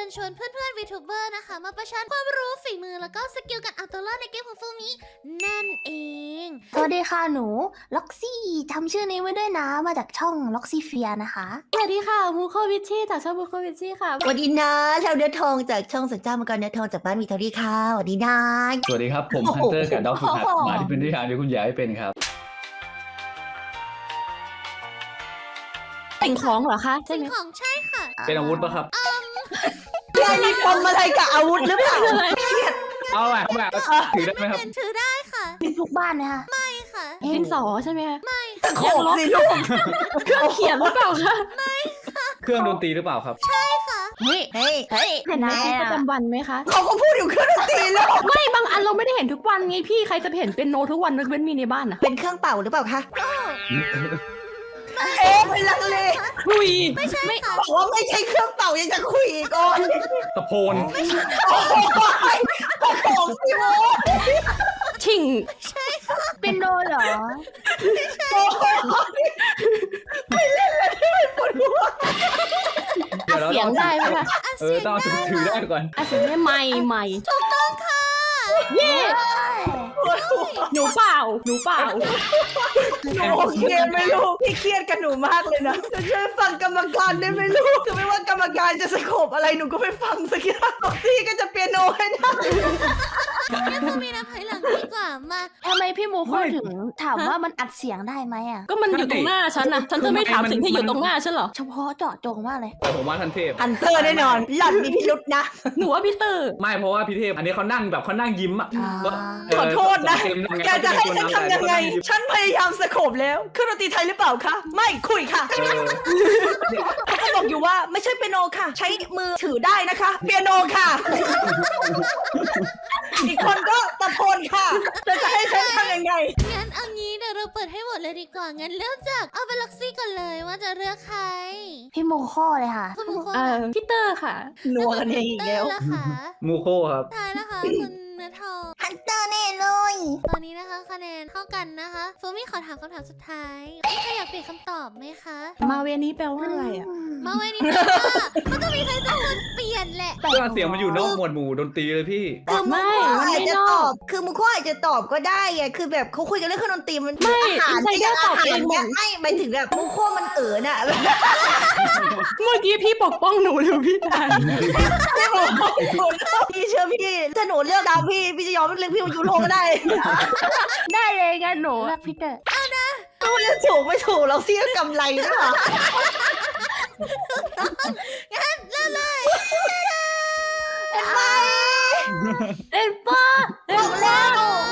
ญชวนเพื่อนๆ VTuber นะคะมาประชันความรู้ฝีมือแล้วก็สกิลการเอาตัวรอดในเกมของฟูมินั่นเองสวัสดีค่ะหนูล็อกซี่ทำชื่อนี้ไว้ด้วยนะมาจากช่องล็อกซี่เฟียนะคะสวัสดีค่ะมูโควิชชี่จากช่องมูโควิชชี่ค่ะสวัสดีนะเราเนื้อทองจากช่องสัญจรมังกรเนื้อทองจากบ้านมีเทอรี่ค่ะสวัสดีนะสวัสดีครับ ผมฮันเตอร์กับดอกสุดหัดหมาที่เป็นนิทานที่คุณยายให้เป็นครับสิ่งของเหรอคะใช่สิ่งไหมของใช่ค่ะเป็นอาวุธปะครับยายมีปมอะไรกับอาวุธหรือเปล่าเอาไปเอาไปถือได้ไหมครับเป็นถือได้ค่ะมีทุกบ้านนะคะไม่ค่ะดินสอใช่ไหมคะตะโขบสิลูกเครื่องเขียนหรือเปล่าคะเครื่องดนตรีหรือเปล่าครับใช่ค่ะเฮ้ยเฮ้ยเห็นในชีวิตประจำวันไหมคะเขาก็พูดอยู่เครื่องดนตรีแล้วไม่บางอันเราไม่ได้เห็นทุกวันไงพี่ใครจะไปเห็นเป็นโนทุกวันนึกเว้นมีในบ้านอะเป็นเครื่องเป่าหรือเปล่าคะโอ้ไม่ลังเลหุยไม่ใช่ค่ะบอกว่าไม่ใช่เครื่องเป่ายังจะคุยอีกก่อนตะโพนโอ้ยตะโขบสิโมชิงเป็นโดเหรออัดเสียงได้ไหมคะต้องถือได้ก่อนอัดเสียงได้ไม่ถูกต้องค่ะเย่หนูเปล่าหนูเปล่าหนูโอเคไหมลูกพี่เครียดกับหนูมากเลยนะจะช่วยฟังกรรมการได้ไหมลูกคือไม่ว่ากรรมการจะสโคบอะไรหนูก็ไปฟังสักอย่างพี่ก็จะเปียโนให้ได้งั้นฟูมินับถอยหลังดีกว่ามาทำไมพี่โมโคถึงถามว่ามันอัดเสียงได้ไหมอ่ะก็มันอยู่ตรงหน้าฉันนะฉันจะไม่ถามสิ่งที่อยู่ตรงหน้าฉันเหรอเฉพาะเจาะจงมากเลยแต่ผมว่าทันเทพฮันเตอร์แน่นอนหล่อนมีพิรุษนะหนูว่าพี่เตอร์ไม่เพราะว่าพี่เทพ อันนี้เขานั่งแบบเขานั่งยิ้มอ่ะขอโทษนะเต็มยังไงแกจะให้ฉันทำยังไงเขาจะเป็นคนนำฉันพยายามสโคบแล้วเครื่องดนตรีไทยหรือเปล่าคะ ไม่คุยค่ะ เขาก็บอกอยู่ว่าไม่ใช่เปียโนค่ะ ใช้มือถือได้นะคะ เปียโนค่ะ อีกคนก็ตะโพนค่ะจะให้ฉันทำยังไงงั้นเอางี้เดี๋ยวเราเปิดให้โหวตเลยดีกว่า งั้นเริ่มจากเอาเป็นล็อกซี่ก่อนเลยว่าจะเลือกใครพี่โมโคเลยค่ะคุณบุคคลพี่เตอร์ค่ะนัวกันเองอีกเตอแล้วร์ละค่ะมูโคครับทายนะคะคุณเนื้อทองฮันเตอร์แน่เลยตอนนี้นะคะคะแนนเท่ากันนะคะฟูมิขอถามคำถามสุดท้ายมีใครอยากเปลี่ยนคำตอบไหมคะมาเวนี้แปลว่าอะไรอ่ะมาไว้นี่นะว่ามันต้องมีใครสักคนเปลี่ยนแหละเครื่องเสียงมันอยู่นอกหมวดหมู่ดนตรีเลยพี่คือมุไม่กมันไม่อาจจะนอกตอบ คือมุกอาจจะตอบก็ได้ไงคือแบบเขาคุยกันเรื่องเครื่องดนตรีมันไม่อาหารอินไซเดอร์ตอบเองเนี่ยไม่หมายถึงแบบมุกโคมันน่ะเมื่อกี้พี่ปกป้องหนูหรือพี่ดันไม่บอกพี่เชื่อพี่ถ้าหนูเลือกดาวพี่จะยอมเลือกพี่ยูโรก็ได้ได้เลยกันหนูเลือกพี่เตอร์ไม่จะถูกไม่ถูกเราเสียกำไรด้วยเหรองั้นเริ่มเลยเห็นไหมเอ็นป้าเอ็นบอกแล้ว